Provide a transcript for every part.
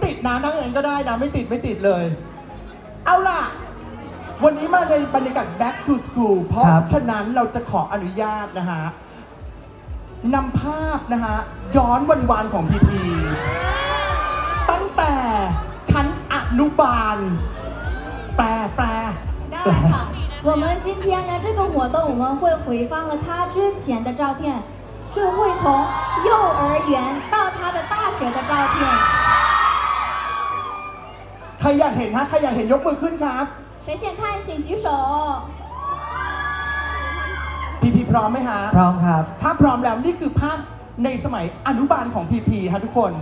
ติดนะนั่งเงินก็ได้นะไม่ติดเลยเอาล่ะวันนี้มาในบรรยากาศ back to school เพราะฉะนั้นเราจะขออนุญาตนะฮะนำภาพนะฮะย้อนวันๆของพีพีตั้งแต่ชั้นอนุบาลแปล当然好，我们今天呢这个活动我们会回放了他之前的照片，是会从幼儿园到他的大学的照片。 ใครอยากเห็นฮะใครอยากเห็นยกมือขึ้นครับ谁先看请举手。 พีพร้อมไหมฮะพร้อมครับถ้าพร้อมแล้วนี่คือภาพในสมัยอนุบาลของพีฮะทุกคน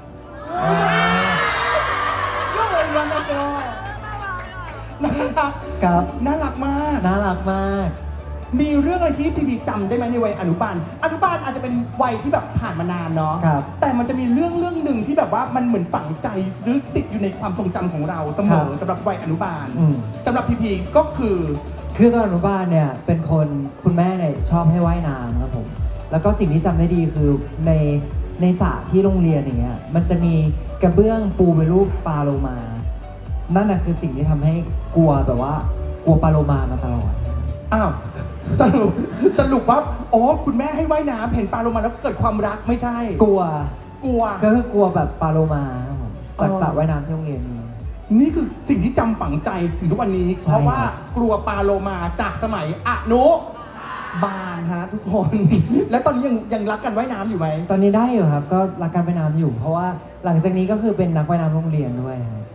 幼儿园的时候น่ารักครับน่ารักมากน่ารักมากมีเรื่องอะไรที่พีจำได้ไหมในวัยอนุบาลอาจจะเป็นวัยที่แบบผ่านมานานเนาะแต่มันจะมีเรื่องหนึ่งที่แบบว่ามันเหมือนฝังใจหรือติดอยู่ในความทรงจำของเราเสมอสำหรับวัยอนุบาลสำหรับพีก็คือตอนอนุบาลเนี่ยเป็นคนคุณแม่เนี่ยชอบให้ว่ายน้ำครับผมแล้วก็สิ่งที่จำได้ดีคือในสระที่โรงเรียนอย่างเงี้ยมันจะมีกระเบื้องปูเป็นรูปปลาโลมานั่นน่ะคือสิ่งที่ทำให้กลัวแบบว่ากลัวปลาโลมามาตลอดอ้าวสรุปว่าอ๋อคุณแม่ให้ว่ายน้ำเห็นปลาโลมาแล้วเกิดความรักไม่ใช่กลัวก็คือกลัวแบบปลาโลมาจากสระว่ายน้ำที่โรงเรียนนี่คือสิ่งที่จำฝังใจถึงทุกวันนี้เพราะว่ากลัวปลาโลมาจากสมัยอนุบาลฮะทุกคน และตอนนี้ยังรักกันว่ายน้ำอยู่ไหมตอนนี้ได้อยู่ครับก็รักกันว่ายน้ำอยู่เพราะว่าหลังจากนี้ก็คือเป็นนักว่ายน้ำโรงเรียนด้วย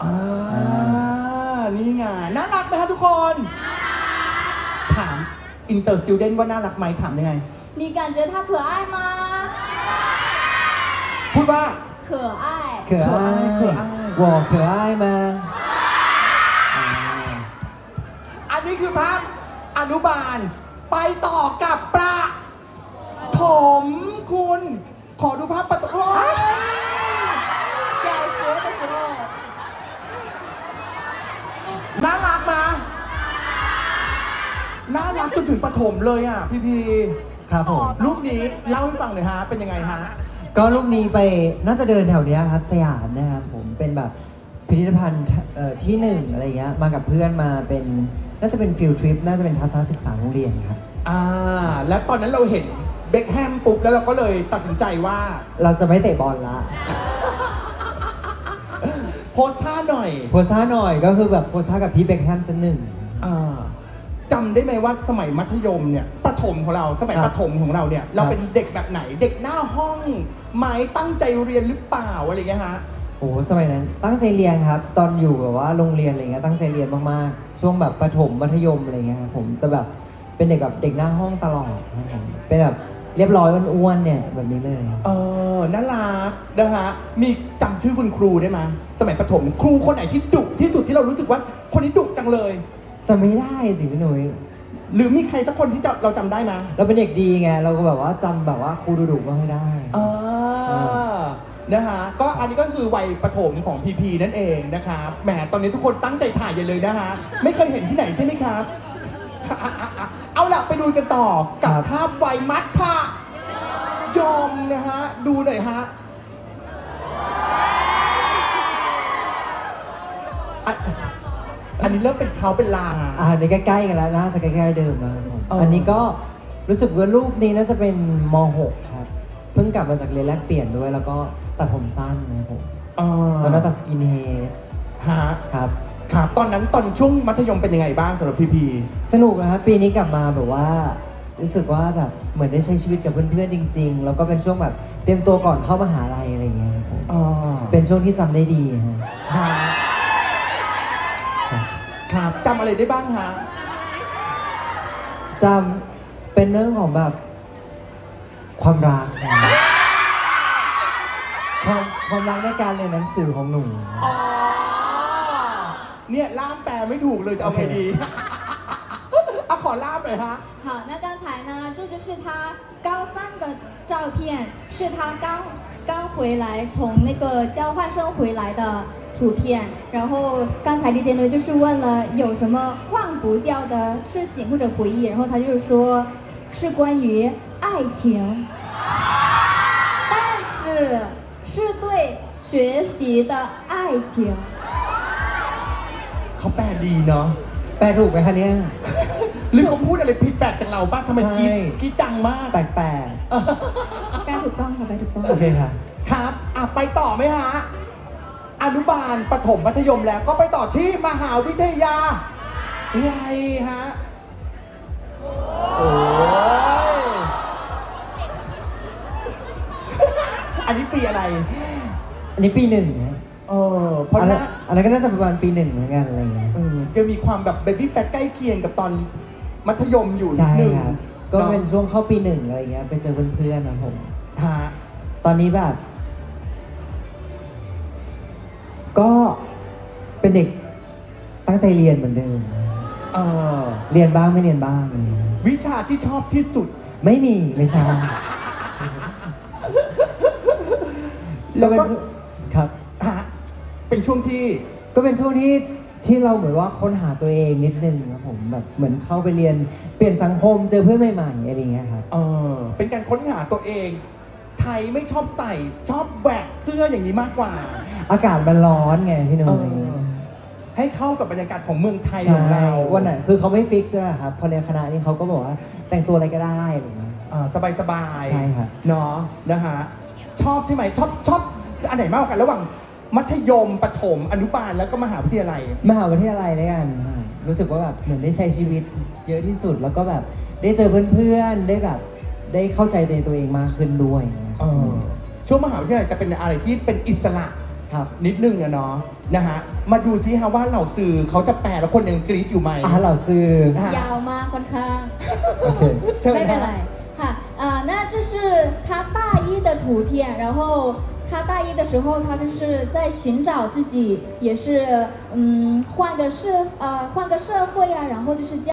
นี่ไงน่ารักไหมฮะทุกคนถามอินเตอร์สติวเดนต์ว่าน่ารักไหมถามยังไง你感觉他可爱吗พูดว่า可爱我可爱吗อันนี้คือภาพอนุบาลไปต่อกับประถมคุณขอดูภาพประถม小学的时候น่ารักมาน่ารักจนถึงประถมเลยอ่ะพี่ครับผมรูปนี้เล่าให้ฟังหน่อยฮะเป็นยังไงฮะก็รูปนี้ไปน่าจะเดินแถวเนี้ยครับสยามนะครับผมเป็นแบบพิพิธภัณฑ์ที่หนึ่งอะไรเงี้ยมากับเพื่อนมาเป็นน่าจะเป็นฟิลทริปน่าจะเป็นทัศนศึกษาโรงเรียนครับแล้วตอนนั้นเราเห็นเบ็คแฮมปุ๊บแล้วเราก็เลยตัดสินใจว่าเราจะไม่เตะบอลละโพสท่าหน่อยก็คือแบบโพสท่ากับพี่เบ็คแฮมสักหนึ่งจำได้ไหมว่าสมัยมัธยมเนี่ยประถมของเราสมัยประถมของเราเนี่ยเราเป็นเด็กแบบไหนเด็กหน้าห้องไหมตั้งใจเรียนหรือเปล่าอะไรเงี้ยฮะโอ้สมัยนั้นตั้งใจเรียนครับตอนอยู่แบบว่าโรงเรียนอะไรเงี้ยตั้งใจเรียนมากๆช่วงแบบประถมมัธยมอะไรเงี้ยครับผมจะแบบเป็นเด็กแบบเด็กหน้าห้องตลอดเป็นแบบเรียบร้อยอ้วนๆเนี่ยแบบนี้เลยน่ารักนะฮะมีจำชื่อคุณครูได้ไหมสมัยประถมครูคนไหนที่ดุที่สุดที่เรารู้สึกว่าคนนี้ดุจังเลยจะไม่ได้สิพี่หนุ่ยหรือมีใครสักคนที่เราจำได้ไหมเราเป็นเด็กดีไงเราก็แบบว่าจำแบบว่าครูดุๆก็ไม่ได้นะฮะก็อันนี้ก็คือวัยประถมของพีนั่นเองนะครับแหมตอนนี้ทุกคนตั้งใจถ่ายอย่าเลยนะฮะไม่เคยเห็นที่ไหนใช่ไหมครับเอาล่ะไปดูกันต่อกับภาพวัยมัธยมนะฮะดูหน่อยฮะอันนี้เริ่มเป็นเขาเป็นลางอันนี้ใกล้ๆกันแล้วน่าจะใกล้ๆเดิมแล้วอันนี้ก็รู้สึกว่ารูปนี้น่าจะเป็นม.6 ครับเพิ่งกลับมาจากเรียนแลกเปลี่ยนด้วยแล้วก็ตัดผมสั้นนะครับผมตอนนั้นตัดสกินเฮดครับตอนนั้นตอนช่วงมัธยมเป็นยังไงบ้างสำหรับพีสนุกนะครับปีนี้กลับมาแบบว่ารู้สึกว่าแบบเหมือนได้ใช้ชีวิตกับเพื่อนๆจริงๆแล้วก็เป็นช่วงแบบเตรียมตัวก่อนเข้ามหาลัยอะไรอย่างเงี้ยเป็นช่วงที่จำได้ดีครับจำอะไรได้บ้างฮะจำเป็นเรื่องของแบบความรักความรักในการเรียนหนังสือของหนูเนี่ยล่ามแปลไม่ถูกเลยจะเอาไงดีเอาขอล่ามหน่อยฮะ好那刚才呢这就是他高三的照片是他刚回来从那个交换生回来的图片然后刚才李杰呢就是问了有什么忘不掉的事情或者回忆然后他就是说是关于爱情但是是对学学习的爱情。 เขาแปลดีเนาะแปลถูกไหมคะเนี่ยหรือเขาพูดอะไรผิดแปลกจากเราบ้างทำไมกรี๊ดใช่กรี๊ดดังมากแปลกแปลถูกต้องค่ะแปลถูกต้องๆ โอเคค่ะครับไปต่อไหมฮะ อนุบาลประถมมัธยมแล้วก็ไปต่อที่มหาวิทยาลัยฮะ โอ้ย อันนี้ปีอะไรอันนี้ปีหนึ่งนะเพราะอันหนั้นน้าอันนั้นก็น่าจะประมาณปีหนึ่งเหมือนกันอะไรอย่างเงี้ยจะมีความแบบเบบี้แฟทใกล้เคียงกับตอนมัธยมอยู่นิใช่ดนึงครับ ก็เป็นช่วงเข้าปีหนึ่งอะไรเงี้ย ไปเจอเพื่อนๆนะผมฮะตอนนี้แบบ ก็เป็นเด็กตั้งใจเรียนเหมือนเดิมเออเรียนบ้างไม่เรียนบ้างอะไรเงี้ยวิชาที่ชอบที่สุดไม่มีไม่ใช่แล้วก็ครับฮะเป็นช่วงที่ก็เป็นช่วงที่เราเหมือนว่าค้นหาตัวเองนิดนึงครับผมแบบเหมือนเข้าไปเรียนเปลี่ยนสังคมเจอเพื่อนใหม่ๆอะไรอย่างเงี้ยครับเป็นการค้นหาตัวเอง ไทยไม่ชอบใส่ชอบแหวกเสื้ออย่างนี้มากกว่าอากาศมันร้อนไงพี่หนุ่เอมอให้เข้ากับบรรยากาศของเมืองไทยขใช่องเราวันไหนคือเขาไม่ฟิกซ์อะครับพอเรียนคณะนี้เขาก็บอกว่าแต่งตัวอะไรก็ได้อะไรอย่างเงี้ยสบายๆใช่ครับเนาะนะฮะชอบใช่ไหมชอบอันไหนมากกว่ากันระหว่างมัธยมประถมอนุบาลแล้วก็มหาวิทยาลัยมหาวิทยาลัยด้วยกันรู้สึกว่าแบบเหมือนได้ใช้ชีวิตเยอะที่สุดแล้วก็แบบได้เจอเพื่อนๆได้แบบได้เข้าใจตัวเองมากขึ้นด้วยช่วงมหาวิทยาลัยจะเป็นอะไรที่เป็นอิสระครับนิดนึงอะเนาะนะฮะมาดูซิฮะว่าเหล่าสื่อเขาจะแปลแล้วคนยังกรี๊ดอยู่ไหมเหล่าซื้อฮะยาวมากค่อนข้างโอเคเชิญไม่เป็นฮะไรค่ะ那这是他大一的图片，然后他大一的时候，他就是在寻找自己，也是换个社会呀，然后就是